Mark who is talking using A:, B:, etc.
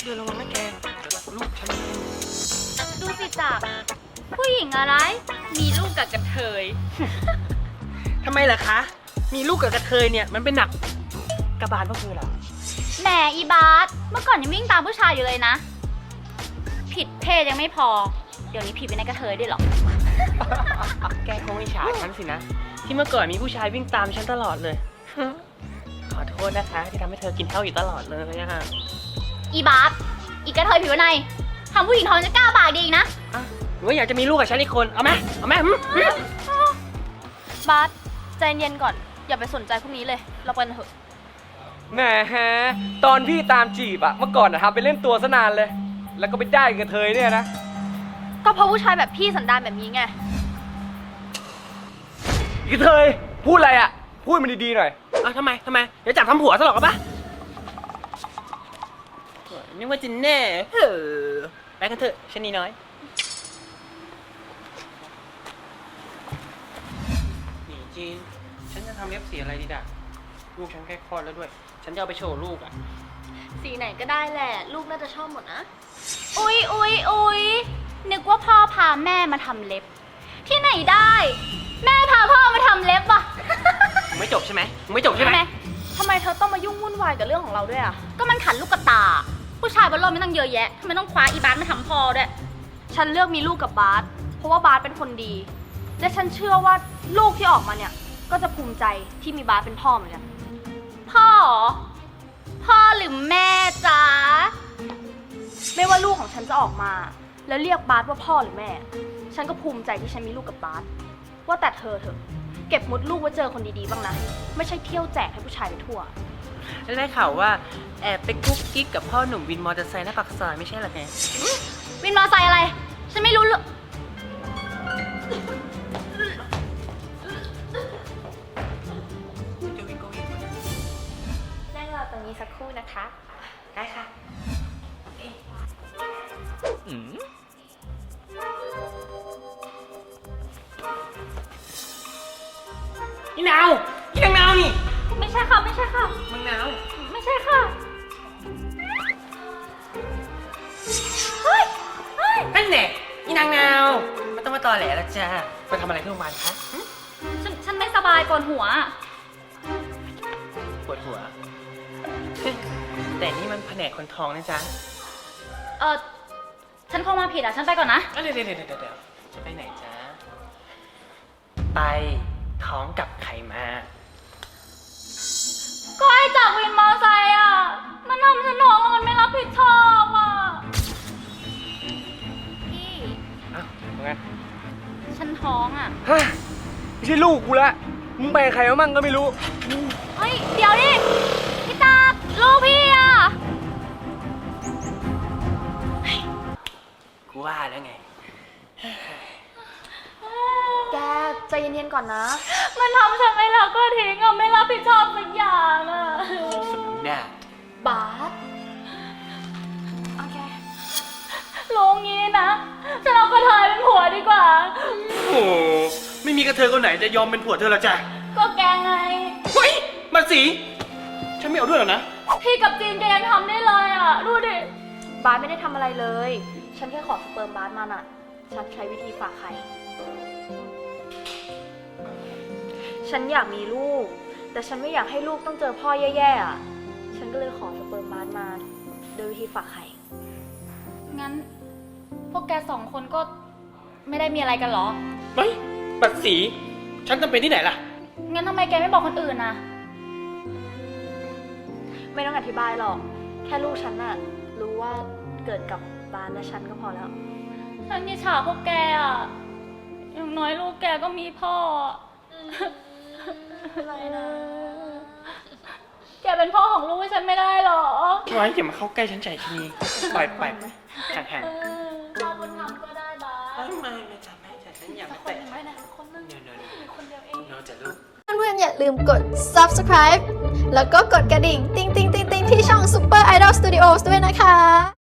A: เดินระวังนะแกลูกฉัน
B: ดูสิจักผู้หญิงอะไร มีลูกกับกระเทย
A: ทำไมล่ะคะ มีลูกกับกระเทยเนี่ยมันเป็นหนักกระบาลพวกเธอเหรอ
B: แหมอีบาสเมื่อก่อนยังวิ่งตามผู้ชายอยู่เลยนะ ผิดเพศยังไม่พอ เดี๋ยวนี้ผิดเป็นกระเทยด้วยหรอ
A: แกคงอิจฉาฉันสินะ ที่เมื่อก่อนมีผู้ชายวิ่งตามฉันตลอดเลย ขอโทษนะคะที่ทำให้เธอกินเท่าอยู่ตลอดเลยนะฮะ
B: อีบาสอีกระเทยผิวในทำผู้หญิงท้องจะกล้าปากดีอีกนะ
A: หรือว่าอยากจะมีลูกกับฉันอีกคนเอาไหมเอาไหม
C: บาสใจเย็นก่อนอย่าไปสนใจพวกนี้เลยเราไปกันเถอะ
D: แหมตอนพี่ตามจีบอะเมื่อก่อนอะทำไปเล่นตัวซะนานเลย แล้วก็ไปได้กับเธอเนี่ยนะ
C: ก็เพราะผู้ชายแบบพี่สันดานแบบนี้ไง
D: กับเธอพูดอะไรอะพูดมันดีๆหน่อย
A: ทำไมเดี๋ยวจับทำผัวซะหรอกปะนึกว่าจินแน่ไปกันเถอะชนีน้อยนี่จีนฉันจะทำเล็บสีอะไรดีด่ะลูกฉันใกล้คลอดแล้วด้วย ฉันจะเอาไปโชว์ลูกอ่ะ
C: สีไหนก็ได้แหละ ลูกน่าจะชอบหมดนะ
B: อุ๊ยนึกว่าพ่อพาแม่มาทำเล็บ ที่ไหนได้ แม่พาพ่อมาทำเล็บอ่ะ
A: มึงไม่จบใช่ไหมมึงไม่จบใช่ไหม
C: ทำไมเธอต้องมายุ่งวุ่นวายกับเรื่องของเราด้วยอ่ะ
B: ก็มันขัดลูกกระตา ผู้ชายบนโลกไม่ต้องเยอะแยะทำไมต้องคว้าอีบาสมาทำพ่อด้วย
C: ฉันเลือกมีลูกกับบาสเพราะว่าบาสเป็นคนดี และฉันเชื่อว่าลูกที่ออกมาเนี่ย ก็จะภูมิใจที่มีบาสเป็นพ่อเหมือนกัน
B: พ่อเหรอพ่อหรือแม่จ๊ะ
C: ไม่ว่าลูกของฉันจะออกมา แล้วเรียกบาสว่าพ่อหรือแม่ ฉันก็ภูมิใจที่ฉันมีลูกกับบาสว่าแต่เธอเถอะ เก็บมดลูกไว้เจอคนดีๆบ้างนะ ไม่ใช่เที่ยวแจกให้ผู้ชายไปทั่ว
A: แล้วได้ข่าวว่าแอบไปกุ๊กกิ๊กกับพ่อหนุ่มวินมอเตอร์ไซค์หน้าปากซอยไม่ใช่เหรอแก
B: วินมอไซค์อะไร ฉันไม่รู้เลย
A: จะวิ่งก็วิ่ง
C: นั่งรอตรงนี้สักครู่นะคะ
A: ได้ค่ะนี่นาวนี่นางนาวนี่
B: ไม่ใช่ค่ะ ไม่ใช่ค่ะ
A: มึงนาว
B: ไม่ใช่ค่ะ เฮ้ย
A: นั่นแหละนี่นางนาวไม่ต้องมาตอแหลแล้วจ้าไปทำอะไรที่โรงพยาบาลคะ
B: ฉันไม่สบายก่อนหัว
A: ปวดหัว แต่นี่มันแผนกคนท้องนะจ๊ะ
B: ฉันคงมาผิดอ่ะ ฉันไปก่อนนะ
A: เดี๋ยวจะไปไหนจ๊ะ ไปท้องกับใครมา
B: ก็ไอ้จากวินมอไซค์อ่ะ มันทำฉันท้องแล้วมันไม่รับผิดชอบอ่ะ พี่
D: อ้าวว่าไง
B: ฉันท้องอ่ะ
D: ฮะไม่ใช่ลูกกูละมึงไปกับใครมามั่งก็ไม่รู้
B: เฮ้ย เดี๋ยวดิ พี่ตาลูกพี่อ่ะ
A: กูว่าแล้วไง
C: แกใจเย็นๆก่อนนะ
B: มันทำฉันไม่รักก็ทิ้งอ่ะ ไม่รับผิดชอบสักอย่างอ่ะ
A: สมน้ำหน้า
C: บาสโอเค
B: รู้งี้นะฉันเอากระเทยเป็นผัวดีกว่า
A: โอ้ไม่มีกระเทยคนไหนจะยอมเป็นผัวเธอหรอกจ้ะ
B: ก็แกไง
A: เฮ้ยมาสีฉันไม่เอาด้วยหรอกนะ
B: พี่กับจีนแกยังทำได้เลยอ่ะ ดูดิ
C: บาสไม่ได้ทำอะไรเลย ฉันแค่ขอสเปิร์มบาสมาน่ะ ฉันใช้วิธีฝากไข่ ฉันอยากมีลูก แต่ฉันไม่อยากให้ลูกต้องเจอพ่อแย่ๆอ่ะ ฉันก็เลยขอสเปิร์มบาสมา โดยวิธีฝากไข่
B: งั้น พวกแกสองคนก็ไม่ได้มีอะไรกันเหรอ
A: เฮ้ยบัดสีฉันจำเป็นที่ไหนล่ะ
B: งั้นทำไมแกไม่บอกคนอื่นนะ
C: ไม่ต้องอธิบายหรอก แค่ลูกฉันน่ะ รู้ว่าเกิดกับบาสและฉันก็พอแล้ว
B: ฉันอิจฉาพวกแกอ่ะ อย่างน้อยลูกแกก็มีพ่อ
C: อะไรนะ
B: แกเป็นพ่อของลูกให้ฉันไม่ได้หรอ
A: ไว้อย่ามาเข้าใกล้ฉันใจชนีปล่อยไปห่าง
B: พ่อบุญธรรมก็ได้บ้า
A: ๆไม่จับฉันอย่ามาแตะ
C: ไม่นะคนนึง
A: เดี๋ยว
C: มีคนเดียวเอง
A: จะลูก
E: เพื่อนๆอย่าลืมกด subscribe แล้วก็กดกระดิ่ง ติ๊งๆๆๆที่ช่อง Super Idol Studios ด้วยนะคะ